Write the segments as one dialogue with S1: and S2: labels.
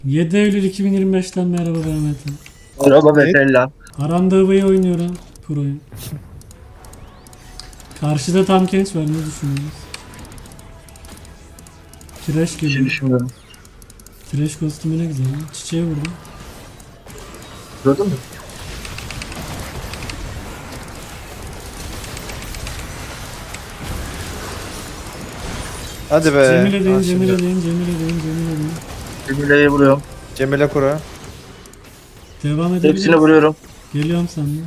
S1: 7 Eylül 2025'ten merhaba ben Metin.
S2: Merhaba Betella.
S1: Arandava'yı oynuyorum. Pro'yu. Karşıda tam genç var, ne düşünüyorsunuz? Trash
S2: Bir şey
S1: geliyor.
S2: düşünmüyorum.
S1: Trash kostümü ne güzel. Çiçeğe vurdum.
S2: Gördün mü?
S3: Hadi be.
S1: Cemile deyin,
S3: Ha,
S1: Cemile
S3: şimdi.
S1: deyin, Cemile deyin, Cemile deyin.
S2: Cemile'ye vuruyorum.
S3: Cemile Kura.
S1: Devam
S2: Hepsine
S1: edebiliriz.
S2: vuruyorum.
S1: Geliyorum senden.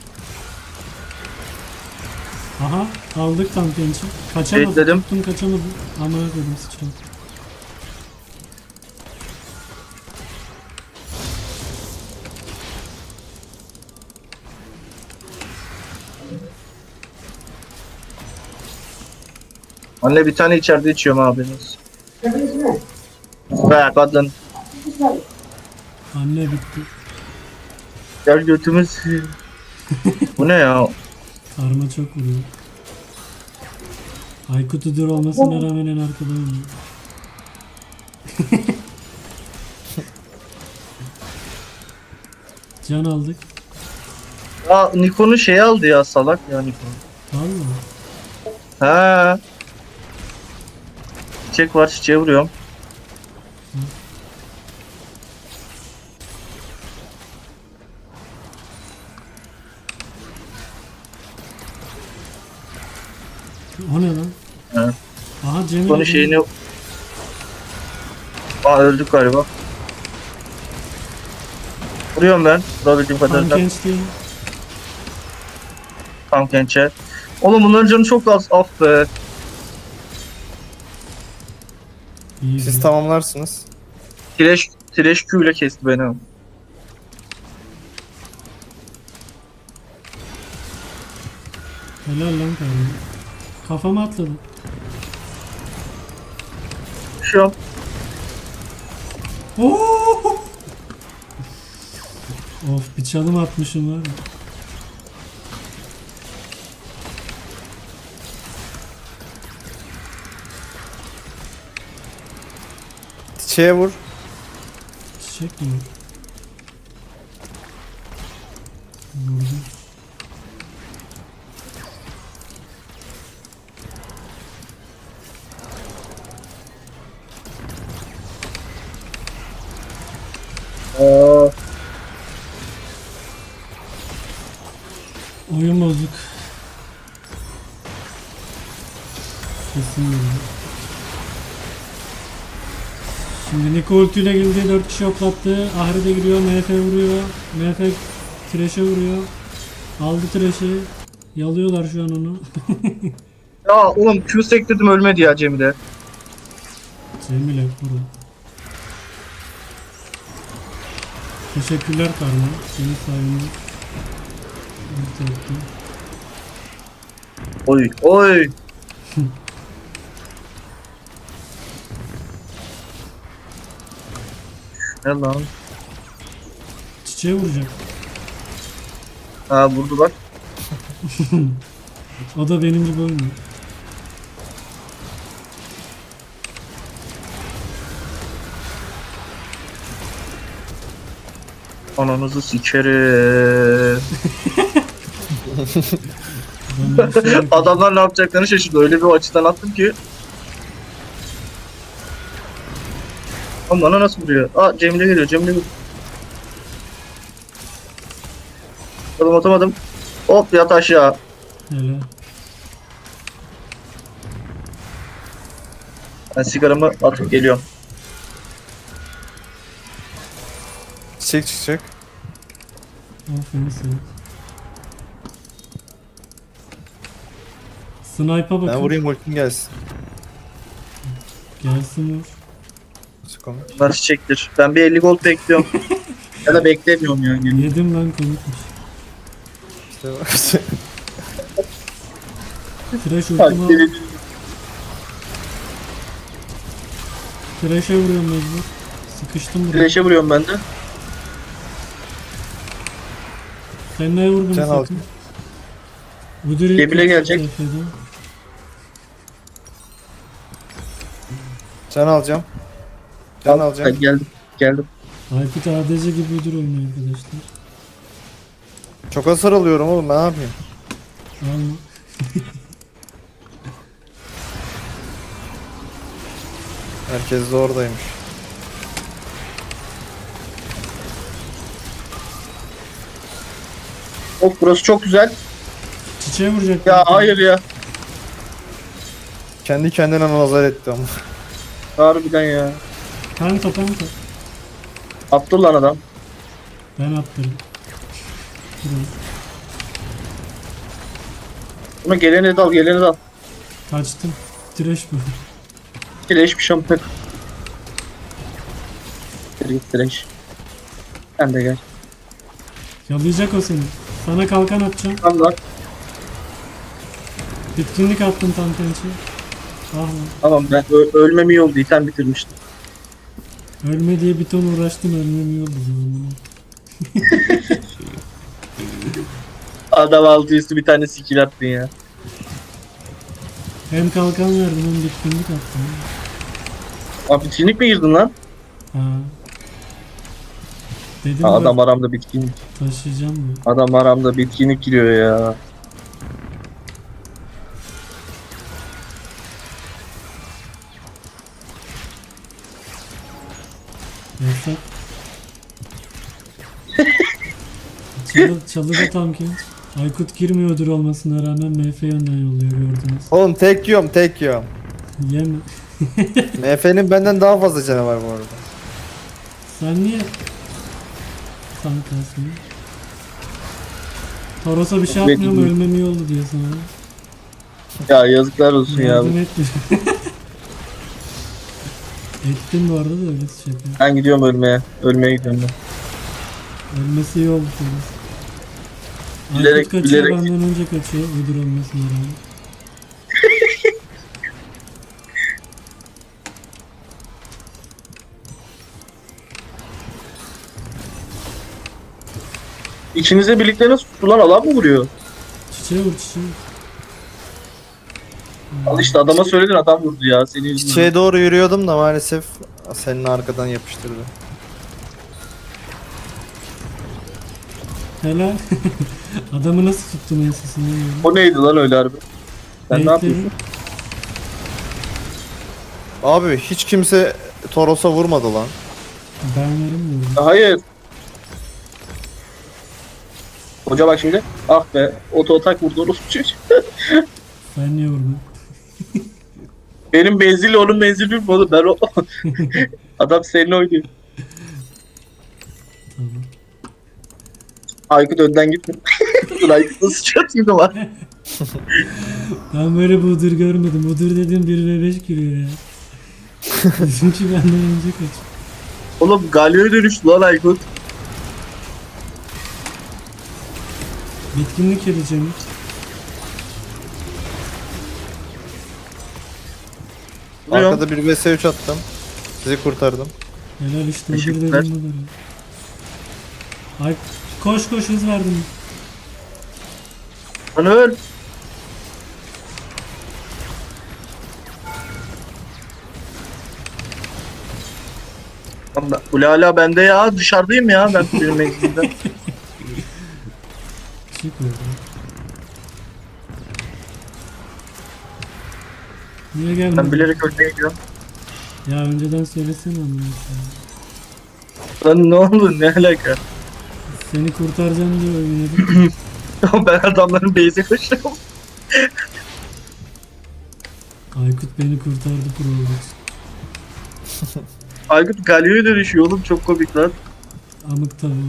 S1: Aha, aldık tam gençi. Kaçamadım,
S2: Bekledim.
S1: tuttum kaçamadım. Amına koydum sıçradım.
S2: Anne bir tane içeride içiyorum abiniz. Be kadın.
S1: Anne bitti.
S2: Gel götümüz. Bu ne ya?
S1: Karma çok vuruyor. Aykut Udur olmasına rağmen en arkada oynuyor. Can aldık.
S2: Aa Nikon'un şeyi aldı ya salak ya Nikon.
S1: Vallahi.
S2: Ha. Çiçek var çiçeğe vuruyorum.
S1: O ne lan?
S2: Ha.
S1: Aha Cemil.
S2: Nikon'un şeyini... Aa öldük galiba. Vuruyorum ben. Vurabildiğim kadarıyla.
S1: Genç değil.
S2: Tam gençe. Oğlum bunların canı çok az. Af be.
S1: İyi.
S3: Siz tamamlarsınız.
S2: Tireş Q ile kesti beni.
S1: Helal lan kardeşim. Kafama atladı.
S2: Şu an
S1: Oo! Of, bir çalım atmışım var ya.
S3: Çiçeğe vur.
S1: Çiçek mi? Vurdum.
S2: Aa,
S1: Oyun bozuk. Kesin böyle. Şimdi Niko ultiyle girdi, 4 kişi yoklattı. Ahri de giriyor, MF vuruyor. MF Thresh'e vuruyor. Aldı Thresh'i. Yalıyorlar şu an onu.
S2: ya oğlum Q sektirdim ölmedi ya Cemile.
S1: Cemile vurun. Teşekkürler Karma. Senin sayende. ulti attım.
S2: Oy oy. Ne lan?
S1: Çiçeğe vuracak.
S2: Ha vurdu bak.
S1: O da benim gibi oynuyor.
S2: Ananızı sikerim.
S1: Ben öyle şey yapıyorum.
S2: Adamlar ne yapacaklarını şaşırdı. Öyle bir açıdan attım ki. Ama bana nasıl vuruyor? Aa Cemile geliyor. Cemile geliyor. Atamadım. Hop yat aşağı.
S1: Hele.
S2: Ben sigaramı atıp geliyorum.
S3: Çiçek çıkacak.
S1: Aferin sana. Snipe'a
S3: Ben
S1: bakın.
S3: vurayım ultim gelsin.
S1: Gelsin vur.
S3: Sık onu.
S2: Bunlar çiçektir. Ben bir 50 gold bekliyorum. Ya da beklemiyorum yani.
S1: Yedim lan, komikmiş.
S3: İşte bak.
S1: Trash ultimi al. Trash'e vuruyorum mecbur. Sıkıştım buraya.
S2: Flash'e vuruyorum ben de.
S1: Kendine vurdum
S3: Can
S1: sakın.
S3: aldım.
S1: Müdür
S2: Cemile gelecek.
S3: Can alacağım. Can
S2: Al,
S3: alacağım.
S2: ben geldim. geldim.
S1: Aykut ADC gibi ödül oynuyor arkadaşlar.
S3: Çok hasar alıyorum oğlum, ne yapayım?
S1: Alma.
S3: Herkes de oradaymış.
S2: Of burası çok güzel.
S1: Çiçeğe vuracak.
S2: Ya hayır ya.
S3: Kendi kendine nazar etti ama.
S2: Harbiden ya.
S1: Penta.
S2: Attı lan adam.
S1: Ben attırdım. Biraz.
S2: Buna geleni dal, geleni dal.
S1: Kaçtım. Trash bu.
S2: Direş bir şampiyonu. Direş. Sen de gel.
S1: Yalayacak o seni. Sana kalkan atacağım.
S2: Tamam lan.
S1: Bitkinlik attım tam pençe. Ah lan.
S2: Tamam ben ölmem iyi oldu. İten bitirmiştim.
S1: Ölme diye bir ton uğraştım, ölmem iyi oldu zamanında.
S2: Adam altı üstü bir tane skill attın ya.
S1: Hem kalkan verdim hem bitkinlik attım.
S2: Abi bitkinlik mi girdin lan?
S1: Ha. Dedim
S2: Ha,
S1: ya,
S2: adam aramda bitkinlik.
S1: taşıyacağım diyor.
S2: Adam aramda bitkinlik giriyor ya.
S1: Yasak. Çalıda tam genç. Aykut girmiyordur olmasına rağmen MF yönden yolluyor, gördünüz.
S3: Oğlum tek yiyorum.
S1: Yeme.
S3: MF'nin benden daha fazla canı var bu arada.
S1: Sen niye tankarsın? Toros'a bir şey atmıyorum, ölmem iyi oldu diyor sana.
S2: Ya yazıklar olsun ya.
S1: Yardım etmiyor. Ettim bu arada da öyle şey yapıyor.
S2: Ben gidiyorum ölmeye. Ölmeye gidiyorum ben.
S1: Ölmesi iyi oldu Toros.
S2: Bilerek-
S1: Aykut kaçıyor,
S2: bilerek-
S1: benden önce kaçıyor. Ödül olmasına rağmen.
S2: İkinize birlikte nasıl sular alan mı vuruyor?
S1: Çiçeğe vur çiçeğe.
S2: Al işte adama söyledin adam vurdu ya. Seni yüzünden.
S3: Çiçeğe doğru yürüyordum da maalesef senin arkadan yapıştırdı.
S1: Helal. Adamı nasıl tuttun ensesinden böyle?
S2: O neydi lan öyle harbi? Sen ne
S1: Bekledim.
S2: yapıyorsun?
S3: Abi hiç kimse Toros'a vurmadı lan.
S1: Ben veremiyorum.
S2: Hayır. Hoca bak şimdi. Ah be. Oto atak vurdu orospu çocuğu.
S1: Sen niye vurdun?
S2: Benim menzille onun menzili bir oğlum. Ben o... Adam seninle oynuyor.
S1: Tamam.
S2: Aykut önden gitme. Dur Aykut nasıl çatıyor da var.
S1: Ben böyle budur görmedim. Budur dediğim 1v5 giriyor ya. Bizimki benden önce kaç.
S2: Oğlum Galio'ya dönüştü lan Aykut.
S1: Bitkinlik edeceğim.
S2: Vuruyorum.
S3: Arkada bir vs3 attım. Sizi kurtardım.
S1: Helal işte budur
S2: Teşekkürler.
S1: dediğim budur. Ay koş hız verdim.
S2: Lan öl. Allah, bu hala bende ya. Dışarıdayım ya ben benim menzilimden.
S1: Çık orada. Niye
S2: Ben
S1: gelmedin?
S2: bilerek ölmeye gidiyorum.
S1: Ya önceden söylesene amına koyayım.
S2: Lan ne oldu ne alaka?
S1: Seni kurtaracağım diye oynadım.
S2: Ben adamların base'e koşuyorum.
S1: Aykut beni kurtardı Probox.
S2: Aykut Galio'ya dönüşüyor oğlum çok komik lan.
S1: Amık tabii.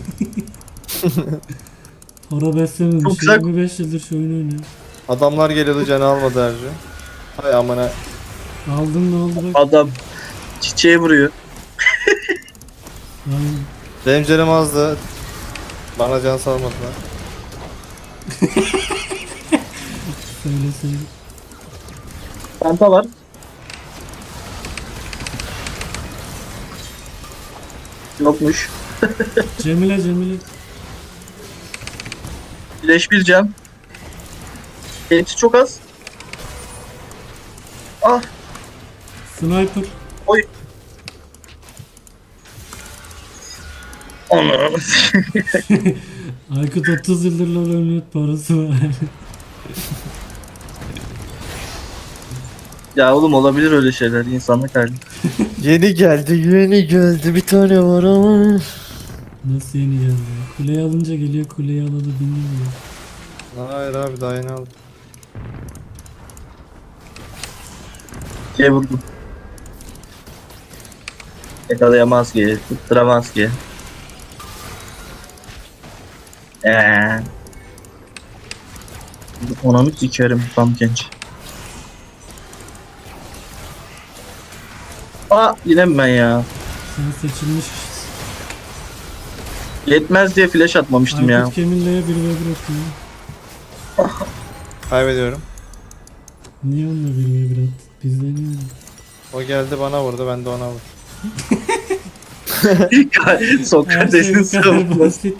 S1: Para beslememiş.
S2: Çok güzel.
S1: 25 yıldır şu oyunu oynuyor.
S3: Adamlar geliyordu, canı almadı harcı. Hay amına.
S1: Aldın ne oldu bak.
S2: Adam çiçeğe vuruyor.
S1: Lan
S3: Benim canım azdı. Bana can salmadılar.
S1: söyleseydim.
S2: Panta var. Yokmuş.
S1: Cemile.
S2: Flash bir cam. Hepsi çok az. Ah
S1: Sniper.
S2: oy. Onu.
S1: Aykut 30 yıldır LoL oynuyor, parası var.
S2: Ya oğlum olabilir öyle şeyler, insanlık hali.
S3: Yeni geldi bir tane var ama.
S1: Nasıl yeni geldi? Kuleyi alınca geliyor, kuleyi alalı bilmiyor.
S3: Hayır abi daha yeni aldım.
S2: Şey vurdum. Yakalayamaz ki, tutturamaz ki. Ona mı sikerim tam genç. Aa yine mi ben ya?
S1: Sen seçilmiş.
S2: Yetmez diye flash atmamıştım ya.
S1: Aykut Kemil'le 1v1 atıyor.
S3: Kaybediyorum.
S1: Niye onunla 1v1 attı? Bizde niye öyle?
S3: O geldi bana vurdu ben de ona vurdum.
S2: Sokrates'in
S1: Her şey bu kadar
S2: savunması.
S1: basit.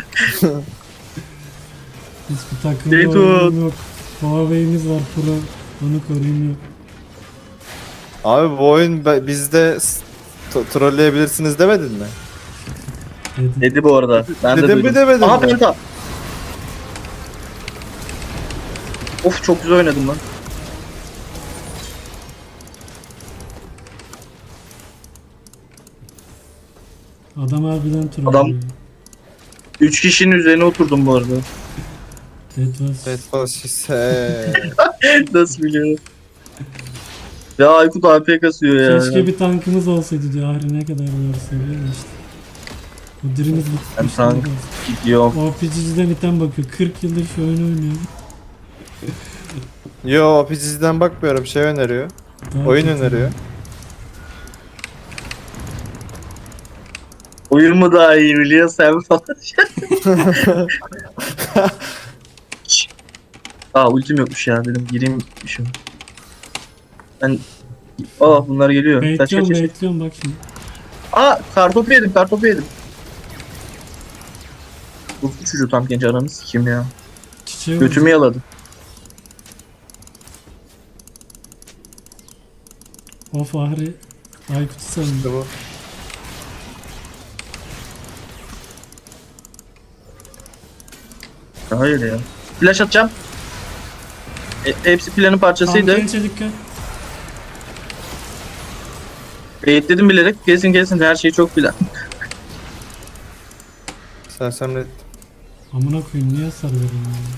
S1: Hiçbir takımda
S2: Beytut.
S1: oyunum yok. Huawei'miz var pro. Onu koruyayım yok.
S3: Abi bu oyun bizde trolleyebilirsiniz demedin mi?
S1: Dedim.
S2: Dedi bu arada. Ben de
S3: Dedim mi
S2: duydum.
S3: demedim
S2: Aha
S3: mi?
S2: penta. Of çok güzel oynadım lan.
S1: Adam harbiden troll.
S2: Adam-
S1: ya.
S2: 3 kişinin üzerine oturdum bu arada.
S1: That was...
S3: Evet faşise.
S2: Nasıl biliyorum? Ya Aykut AP kasıyor ya.
S1: Keşke bir tankımız olsaydı diyor. Ahri ne kadar doğru söylüyor da işte. O dirimiz
S2: Ben
S1: bitmiş.
S2: tank gidiyorum.
S1: O PC'den item bakıyor. 40 yıldır şu oyunu oynuyor.
S3: Yo PC'den bakmıyorum şey öneriyor.
S1: Daha
S3: Oyun
S1: kötü.
S3: öneriyor.
S2: Oyun mu daha iyi biliyor sen falan. Aa ultim yokmuş ya dedim gireyim şu. Ben bunlar geliyor. Kaç
S1: Bekliyorum
S2: kaç kaç.
S1: bekliyorum bak şimdi.
S2: Kartopu yedim kartopu yedim. Bu çocuğu tam genç ananı sikeyim ya.
S1: Çiçeği
S2: Götümü yaladı.
S1: Of Ahri. Aykut'u sandım.
S3: İşte bu.
S2: Hayır ya. Flash atacağım. Hepsi planın parçasıydı.
S1: Gençe dikkat.
S2: Eğitledim bilerek. Gelsin her şey çok plan.
S3: Sersemlet.
S1: Amına koyayım niye hasar veriyorsun ya?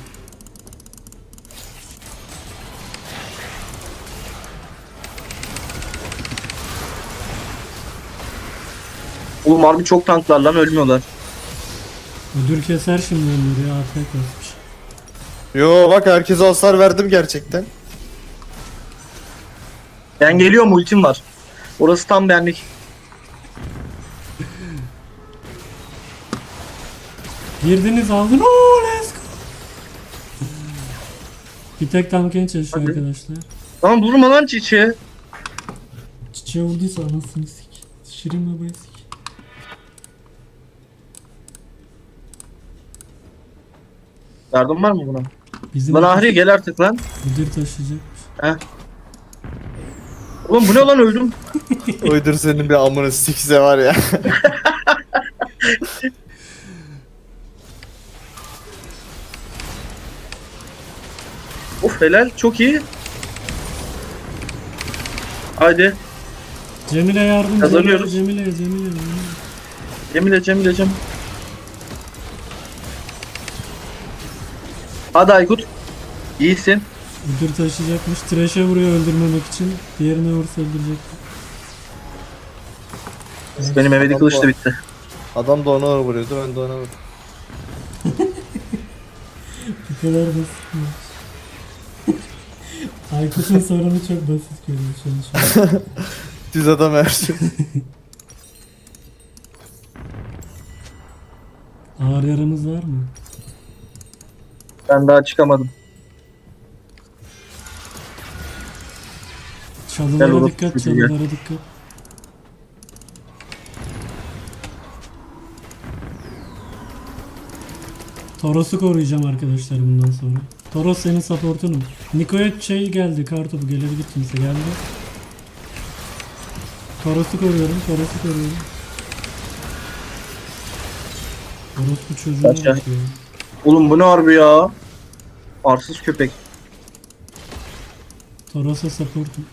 S2: Oğlum harbi çok tanklar lan ölmüyorlar.
S1: Ödül keser şimdi onları ya. AFK kasmış.
S3: Yo bak herkese hasar verdim gerçekten.
S2: Ben geliyorum ultim var. Orası tam benlik.
S1: Girdiniz aldın. Oo let's go. Bir tek tam genç çalışıyor
S2: Hadi.
S1: arkadaşlar.
S2: Lan durma lan çiçeğe.
S1: Çiçeğe vurduysa anasını sik. Şirin babayı sik.
S2: Yardım var mı buna?
S1: Bizim
S2: Lan Ahri gel artık lan.
S1: müdür taşıyacakmış.
S2: Oğlum bu ne lan öldüm.
S3: Uydur senin bir amını sikse var ya.
S2: Of helal çok iyi. Haydi.
S1: Cemile yardım.
S2: Kazanıyoruz.
S1: Cemile.
S2: Cemile. Hadi Aykut. İyisin.
S1: Müdür taşıyacakmış. Trash'e vuruyor öldürmemek için. Diğerine vursa öldürecek.
S2: Benim evde kılıç da bitti.
S3: Adam da ona vuruyordu ben de ona vurdum.
S1: Bu kadar basit mi? Aykut'un sorunu çok basit görüyor şu an.
S3: Düz adam her şey.
S1: Ağır yaramız var mı?
S2: Ben daha çıkamadım. Gel
S1: Çalılara
S2: oğlum,
S1: dikkat,
S2: şuraya gel.
S1: çalılara dikkat. Toros'u koruyacağım arkadaşlar bundan sonra. Toros senin supportunum. Niko'ya şey geldi, kartopu gelebilir kimse geldi. Toros'u koruyorum. Orospu çocuğuna
S2: Kaç ya?
S1: bak ya.
S2: Oğlum bu ne harbi ya? Arsız köpek.
S1: Toros'a supportum.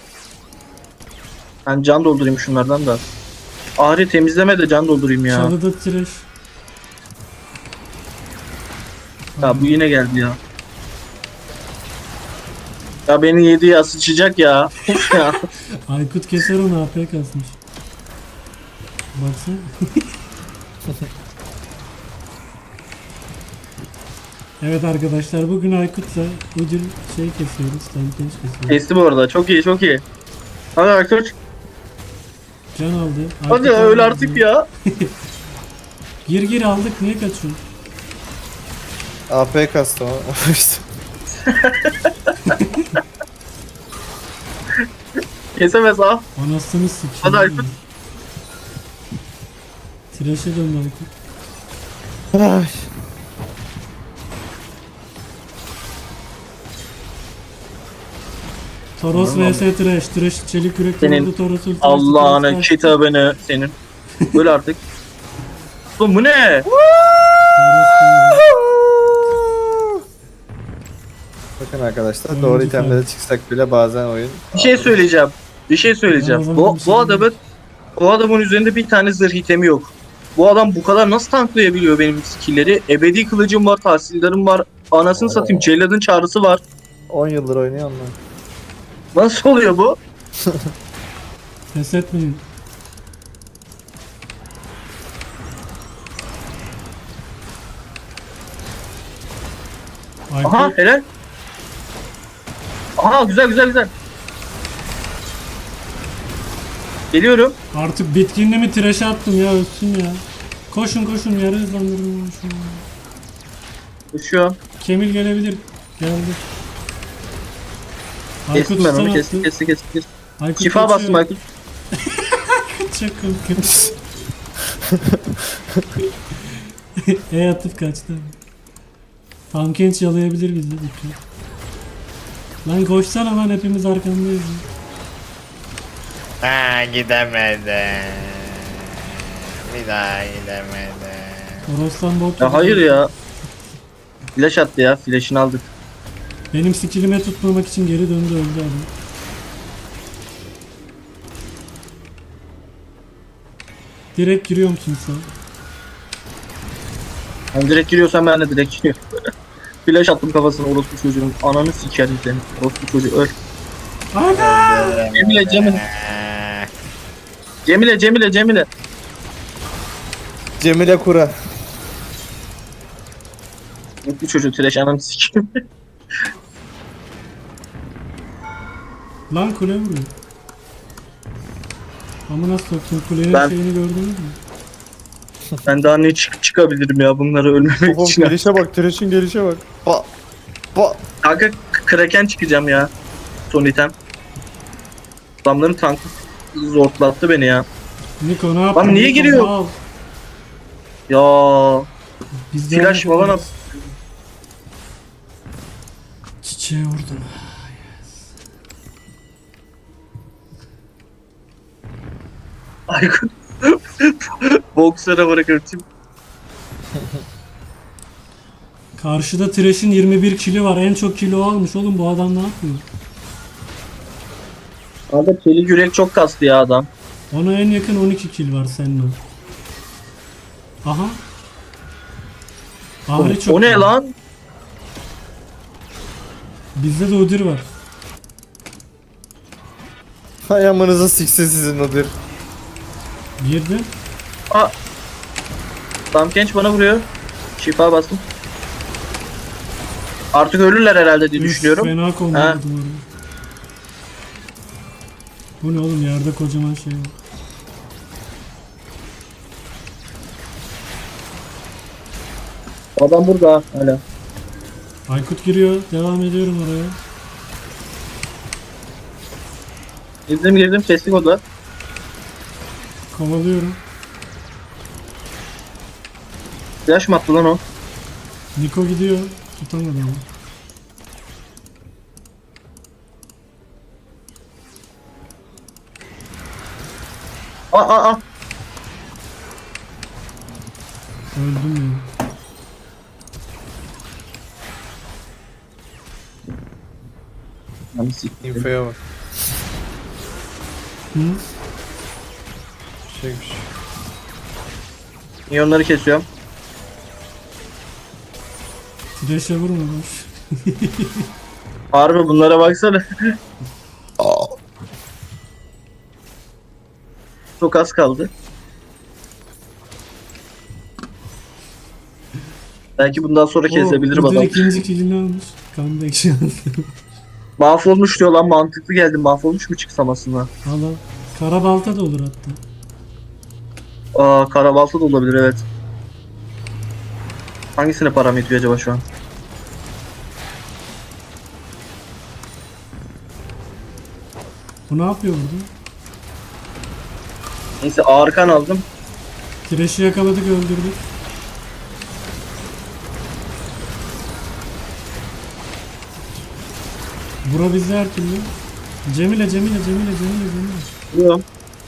S2: Ben can doldurayım şunlardan da. Ahri temizleme de can doldurayım ya.
S1: Çalıda trash.
S2: Ya bu yine geldi ya. Ya beni yedi ya, sıçacak ya. Of ya.
S1: Aykut keser onu, AP kasmış. Baksana. Evet arkadaşlar, bugün Aykut'la ödül şey kesiyoruz, Tampinç kesiyoruz.
S2: Kesti bu arada. Çok iyi, çok iyi. Hadi Aykut.
S1: Can aldı.
S2: Hadi
S1: Aykut
S2: öl
S1: aldı.
S2: artık ya.
S1: Gir aldık, niye kaçıyorsun?
S3: AP kastım ama.
S2: Kesemez ha.
S1: Anasını sikeyim.
S2: Hadi Aykut.
S1: Trash'e döndü Aykut.
S3: Ay.
S1: Toros vs Trash. Trash çelik yürek
S2: Senin
S1: vurdu, Toros ulti açtı,
S2: Allah'ını
S1: Toros kaçtı.
S2: kitabını senin. Öl artık. Oğlum bu ne?
S1: Toros kaçtı.
S3: Bakın arkadaşlar,
S1: Oyuncu
S3: doğru itemlere
S1: falan.
S3: çıksak bile bazen oyun.
S2: Bir şey söyleyeceğim. Bir şey söyleyeceğim.
S1: Ben o zaman
S2: Bu,
S1: bir şey
S2: bu adamın bu adamın üzerinde bir tane zırh itemi yok. Bu adam bu kadar nasıl tanklayabiliyor benim skill'leri? Ebedi kılıcım var, tahsildarım var. Anasını satayım, Cellad'ın çağrısı var.
S3: 10 yıldır oynuyor onlar.
S2: Nasıl oluyor bu?
S1: Pes etmeyin. Aykut.
S2: Aha helal. Aha güzel güzel güzel. Geliyorum.
S1: Artık bitkinliğimi trash'e attım ya, ölsün ya. Koşun koşun, yarı hızlandırın şunu.
S2: Koşuyorum.
S1: Kemil gelebilir. Geldi.
S2: Kestim ben onu.
S1: stun
S2: Kestim
S1: attı.
S2: kestim kestim.
S1: Aykut
S2: Şifa
S1: kaçıyor.
S2: bastım Aykut.
S1: Çok korkunç. Atıp kaçtı. Tamkenç yalayabilir bizi. Dikkat. Lan koşsana lan, hepimiz arkandayız.
S3: Ha, gidemedim. Bir daha gidemedim.
S1: Oroslan bot.
S2: Ya hayır ya. Flash attı ya. Flash'ını aldık.
S1: Benim skillime tutmamak için geri döndü, öldü adam. Direkt giriyor musun sen?
S2: Ben direkt giriyorsam ben de direkt giriyorum. Flash attım kafasına, orospu çocuğun. Ananı sikerim seni. Orospu çocuğu öl.
S1: Aga!
S2: Cemile Cemile. Cemile Cemile Cemile.
S3: Cemile Kura.
S2: Bu çocuğu trash, ananı sikeyim.
S1: Lan kule vuruyor. Amına soktum, kulenin
S2: Ben-
S1: şeyini gördünüz mü?
S2: Ben daha ne çıkabilirim ya bunları ölmemek
S3: Oğlum
S2: için.
S3: gelişe bak, Thresh'in gelişe bak. Ba ba.
S2: Kanka Kraken çıkacağım ya. Son item. Adamların tankı zortlattı beni ya.
S1: Niko ne yaptın?
S2: Lan niye
S1: Niko,
S2: giriyor?
S1: mal.
S2: Ya
S1: Biz de
S2: flash
S1: öyle
S2: falan at.
S1: yaparız. Çiçeğe vurdum.
S2: Aykut. Boksera bırakırım.
S1: Karşıda Thresh'in 21 kili var. En çok kilo almış oğlum, bu adam ne yapıyor?
S2: Abi çelik yürek çok kastı ya adam.
S1: Ona en yakın 12 kill var seninle. Aha. Ahri çok
S2: O ne
S1: iyi.
S2: lan?
S1: Bizde de Udyr var.
S3: Hay amınıza siksin sizin odur.
S1: Girdi.
S2: Aa. Tam genç bana vuruyor. Şifa bastım. Artık ölürler herhalde diye
S1: Üf,
S2: düşünüyorum.
S1: Fena
S2: Ha.
S1: kombinadım oraya. Bu ne oğlum, yerde kocaman şey var.
S2: Adam burada hala.
S1: Aykut giriyor. Devam ediyorum oraya.
S2: Girdim girdim, kestik o da.
S1: Kovalıyorum.
S2: Flash mı attı lan o?
S1: Niko gidiyor. Tutamadı ama.
S2: Aa aa aa.
S1: Öldüm ya.
S2: Yani siktir.
S3: Infoya bak.
S1: Hı?
S3: Şeymiş.
S2: Minyonları kesiyorum.
S1: Thresh'e vurmamış.
S2: Harbi bunlara baksana. Çok az kaldı. Belki bundan sonra kesebilirim
S1: Udyr
S2: adam.
S1: ikinci killini almış. Comeback şansı.
S2: Mahvolmuş diyor lan, mantıklı geldi. Mahvolmuş mu çıksam aslında?
S1: Valla. Karabalta da olur hatta.
S2: Aa, karabalta da olabilir, evet. Hangisine param yetiyor acaba şu an?
S1: Bu ne yapıyor burada?
S2: Neyse, ağır kan aldım.
S1: Thresh'i yakaladık, öldürdük. Bura bizde her türlü. Cemile.
S2: Biliyorum.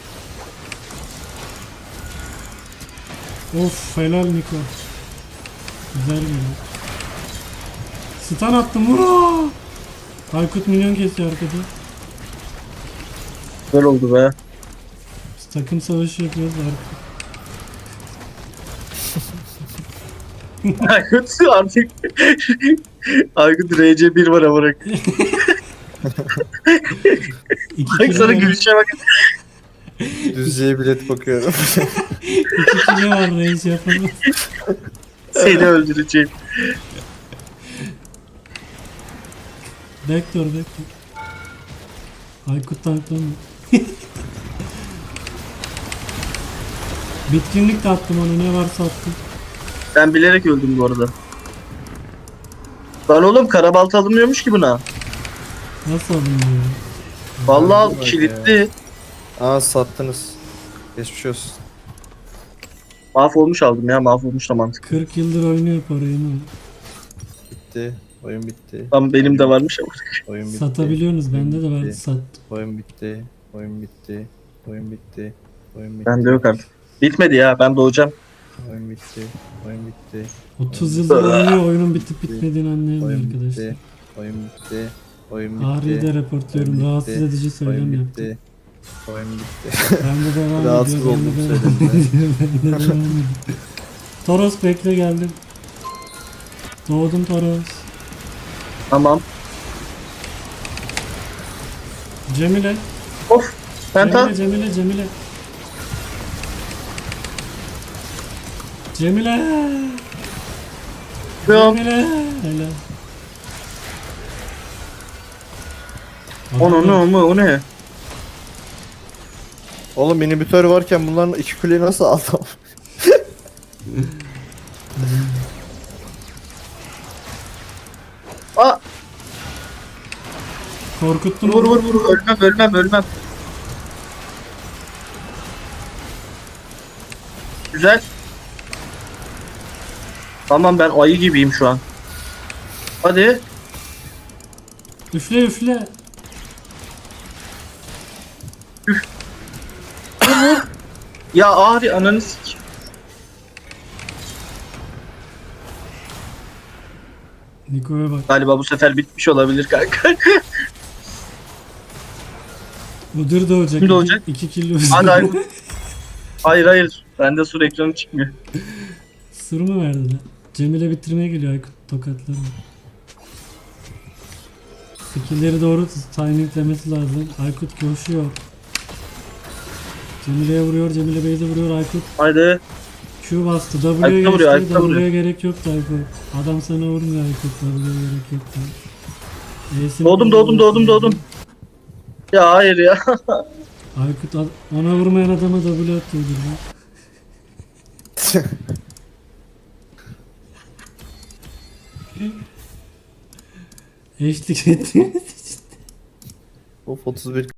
S1: Of, helal Niko. Güzel geliyor. Stun attım. Vura! Aykut minyon kesiyor arkada.
S2: Güzel oldu be.
S1: Biz takım savaşı yapıyoruz arka.
S2: Aykut artık. Aykut RC1 var ama.
S1: İki
S2: Bak sana
S1: kilo var.
S2: gülüşe bak.
S3: Düzce'ye bilet bakıyorum.
S1: 2 kilo var, reis yapamaz.
S2: Seni öldüreceğim.
S1: Backdoor. Aykut tanklama. Bitkinlik de attım ona, ne varsa attım.
S2: Ben bilerek öldüm bu arada. Lan oğlum, karabalta alınmıyormuş ki buna.
S1: Nasıl alınıyor ya?
S2: Vallahi
S3: Bak
S2: kilitli.
S3: Aa sattınız. Geçmiş olsun.
S2: Mahvolmuş aldım ya, mahvolmuş da mantıklı.
S1: 40 yıldır oynuyor parayı mı?
S3: Bitti. Oyun bitti.
S2: Tam benim de varmış ama.
S3: Oyun bitti.
S1: Satabiliyorsunuz, bende de
S3: Oyun
S1: var,
S3: bitti.
S1: sattım.
S3: Oyun bitti. Oyun bitti. Oyun bitti. Oyun bitti.
S2: Bende yok artık. Bitmedi ya, ben doğacağım.
S3: Oyun bitti. Oyun bitti.
S1: 30 yıldır oynuyor, oyunun bitip bitmediğini anlayamıyor
S3: Oyun
S1: arkadaşlar.
S3: bitti. Oyun bitti. Oyun bitti.
S1: Ağrı'yı da reportluyorum,
S3: Oyun
S1: rahatsız
S3: bitti.
S1: edici söylem
S3: Oyun
S1: yaptım.
S3: bitti. Oyun bitti.
S1: Ben de devam
S3: Rahatsız
S1: ediyor, ben de
S3: oldum
S1: devam
S3: söylemden.
S1: ediyor, ben de devam ediyor. Toros bekle, geldim. Doğdum Toros.
S2: Tamam.
S1: Cemile.
S2: Of. Penta.
S1: Cemile.
S2: Yok.
S1: Cemile. Helal.
S2: O ne?
S3: Oğlum inhibitör varken bunların iki kuleyi nasıl aldım?
S2: Aa,
S1: Korkuttun
S2: vur
S1: onu.
S2: vur. Ölmem. Güzel. Tamam, ben ayı gibiyim şu an. Hadi.
S1: Üfle.
S2: Ya Ahri, ananı sik.
S1: Niko'ya bak.
S2: Galiba bu sefer bitmiş olabilir kanka.
S1: Udyr de olacak.
S2: Kim olacak?
S1: 2 kilo.
S2: Hadi Aykut. Hayır. Bende sur ekranı çıkmıyor.
S1: Sır mı verdi lan? Cemile bitirmeye geliyor Aykut, tokatlar mı? Skill'leri doğru timinglemesi lazım. Aykut koşuyor. Cemile'ye vuruyor, Cemile base'e vuruyor Aykut.
S2: Haydi.
S1: Q bastı, W'ye
S2: Aykut'a
S1: geçti,
S2: vuruyor, Aykut'a
S1: W'ye
S2: vuruyor.
S1: gerek yoktu Aykut. Adam sana vurmuyor Aykut, W'ye gerek yoktu. E'sini
S2: Doğdum.
S1: kullanıyorsun.
S2: Ya hayır ya.
S1: Aykut ona vurmayan adama W atıyordur lan. Eşlik ettiğiniz için.
S3: Of 31